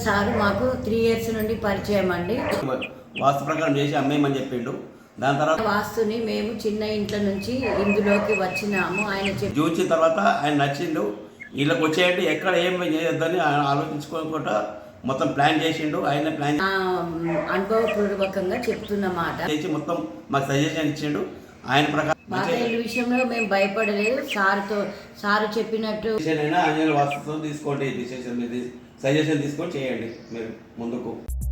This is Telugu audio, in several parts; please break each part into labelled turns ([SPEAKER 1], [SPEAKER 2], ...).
[SPEAKER 1] సార్ మాకు 3 ఇయర్స్ నుండి పరిచయం అండి.
[SPEAKER 2] వాస్తు ప్రకారం చేసి అమ్మేయమని చెప్పిండు. దాని తర్వాత
[SPEAKER 1] వాస్తుని మేము చిన్న ఇంట్లో నుంచి ఇందులోకి వచ్చినాము. ఆయన
[SPEAKER 2] చూసిన తర్వాత ఆయన నచ్చిండు. వీళ్ళకి వచ్చేయండి ఎక్కడ ఏం చేయొద్దని ఆలోచించుకోకుండా మొత్తం ప్లాన్ చేసిండు. ఆయన ప్లాన్
[SPEAKER 1] అనుభవపూర్వకంగా చెప్తున్నమాట
[SPEAKER 2] చేసి మొత్తం మాకు సజెషన్ ఇచ్చిండు. ఆయన ప్రకారం
[SPEAKER 1] ఈ విషయంలో మేము భయపడలేదు. సారు చెప్పినట్టు
[SPEAKER 2] ఆంజనేయుల వాస్తుతో తీసుకోండి, సజెషన్ తీసుకొని చేయండి మీరు ముందుకు.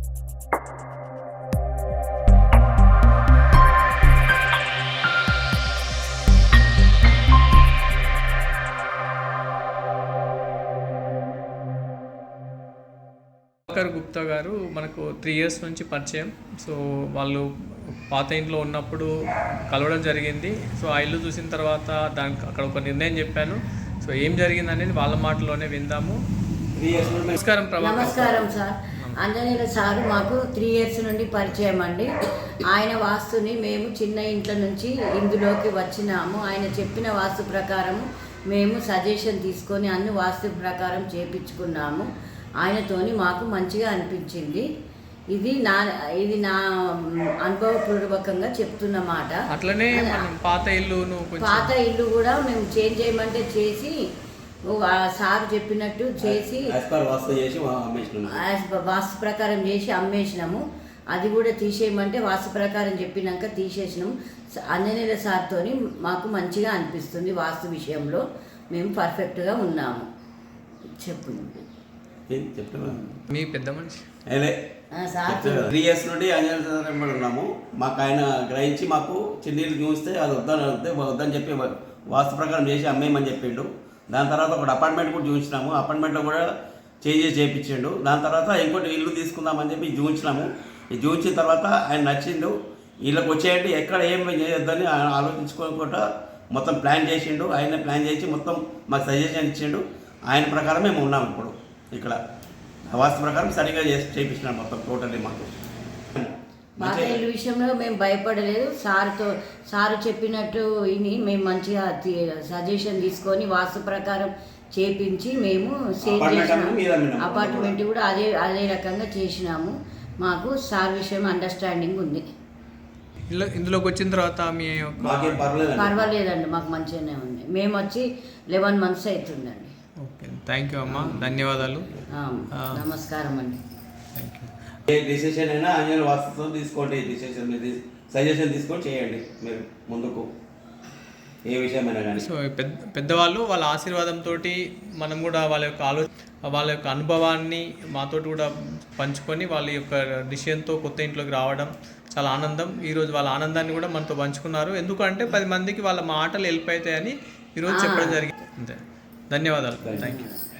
[SPEAKER 3] గుప్తా గారు మనకు 3 ఇయర్స్ నుంచి పరిచయం. సో వాళ్ళు పాత ఇంట్లో ఉన్నప్పుడు కలవడం జరిగింది. సో ఆ ఇల్లు చూసిన తర్వాత దానికి అక్కడ ఒక నిర్ణయం చెప్పాను. సో ఏం జరిగింది అనేది వాళ్ళ మాటలోనే విందాము. నమస్కారం ప్రభా.
[SPEAKER 1] నమస్కారం సార్. ఆంజనేయుల సారు మాకు 3 ఇయర్స్ నుండి పరిచయం అండి. ఆయన వాస్తుని మేము చిన్న ఇంట్లో నుంచి ఇందులోకి వచ్చినాము. ఆయన చెప్పిన వాస్తు ప్రకారం మేము సజెషన్ తీసుకొని అన్ని వాస్తు ప్రకారం చేపించుకున్నాము. ఆయనతోని మాకు మంచిగా అనిపించింది. ఇది నా అనుభవపూర్వకంగా చెప్తున్నమాట.
[SPEAKER 3] అట్లనే పాత
[SPEAKER 1] ఇల్లు కూడా మేము చేంజ్ చేయమంటే చేసి సార్ చెప్పినట్టు చేసి వాస్తు ప్రకారం చేసి అమ్మేసినాము. అది కూడా తీసేయమంటే వాస్తు ప్రకారం చెప్పినాక తీసేసినాము. ఆంజనేయుల సార్తో మాకు మంచిగా అనిపిస్తుంది. వాస్తు విషయంలో మేము పర్ఫెక్ట్గా ఉన్నాము.
[SPEAKER 3] మీ పెద్ద మనిషి
[SPEAKER 2] 3 ఇయర్స్ నుండి ఆంజనేయుల ఉన్నాము. మాకు ఆయన గ్రహించి మాకు చిన్నీళ్ళు చూస్తే అది వద్దని చెప్పి వాస్తు ప్రకారం చేసి అమ్మేయమని చెప్పిండు. దాని తర్వాత ఒక అపార్ట్మెంట్ కూడా చూపించినాము. అపార్ట్మెంట్లో కూడా చేంజెస్ చేయించిండు. దాని తర్వాత ఇంకోటి ఇల్లు తీసుకుందామని చెప్పి చూపించినాము. ఇది చూపించిన తర్వాత ఆయన నచ్చిండు. వీళ్ళకి వచ్చేయండి ఎక్కడ ఏం చేయొద్దని ఆలోచించుకోకుండా మొత్తం ప్లాన్ చేసిండు. ఆయన ప్లాన్ చేసి మొత్తం మాకు సజెషన్ ఇచ్చిండు. ఆయన ప్రకారం మేము ఉన్నాము ఇప్పుడు ఇక్కడ. వాస్తు ప్రకారం సరిగా చేయించినాం మొత్తం టోటల్లీ మాకు.
[SPEAKER 1] పాత ఇల్లు విషయంలో మేము భయపడలేదు. సారు చెప్పినట్టు విని మేము మంచిగా సజెషన్ తీసుకొని వాస్తు ప్రకారం చేపించి మేము సేల్ చేసినాము. అపార్ట్మెంట్ కూడా అదే రకంగా చేసినాము. మాకు సార్ విషయం అండర్స్టాండింగ్ ఉంది.
[SPEAKER 3] ఇందులోకి వచ్చిన తర్వాత మీ
[SPEAKER 1] పర్వాలేదండి, మాకు మంచిగానే ఉంది. మేము వచ్చి 11 months అవుతుందండి.
[SPEAKER 3] ఓకే, థ్యాంక్ యూ అమ్మా, ధన్యవాదాలు.
[SPEAKER 1] నమస్కారం అండి.
[SPEAKER 3] Thank you.
[SPEAKER 2] ఏ డిసిషన్ అయినా ఆంజనేయుల వాస్తుతో తీసుకోండి, సజెషన్ తీసుకొని చేయండి మీరు ముందుకు ఏ విషయమైనా కానీ.
[SPEAKER 3] సో పెద్దవాళ్ళు వాళ్ళ ఆశీర్వాదంతో మనం కూడా వాళ్ళ యొక్క అనుభవాన్ని మాతోటి కూడా పంచుకొని వాళ్ళ యొక్క డిసిషన్తో కొత్త ఇంట్లోకి రావడం చాలా ఆనందం. ఈరోజు వాళ్ళ ఆనందాన్ని కూడా మనతో పంచుకున్నారు. ఎందుకంటే 10 మందికి వాళ్ళ మాటలు హెల్ప్ అవుతాయని ఈరోజు చెప్పడం జరిగింది. అంతే, ధన్యవాదాలు. Thank you.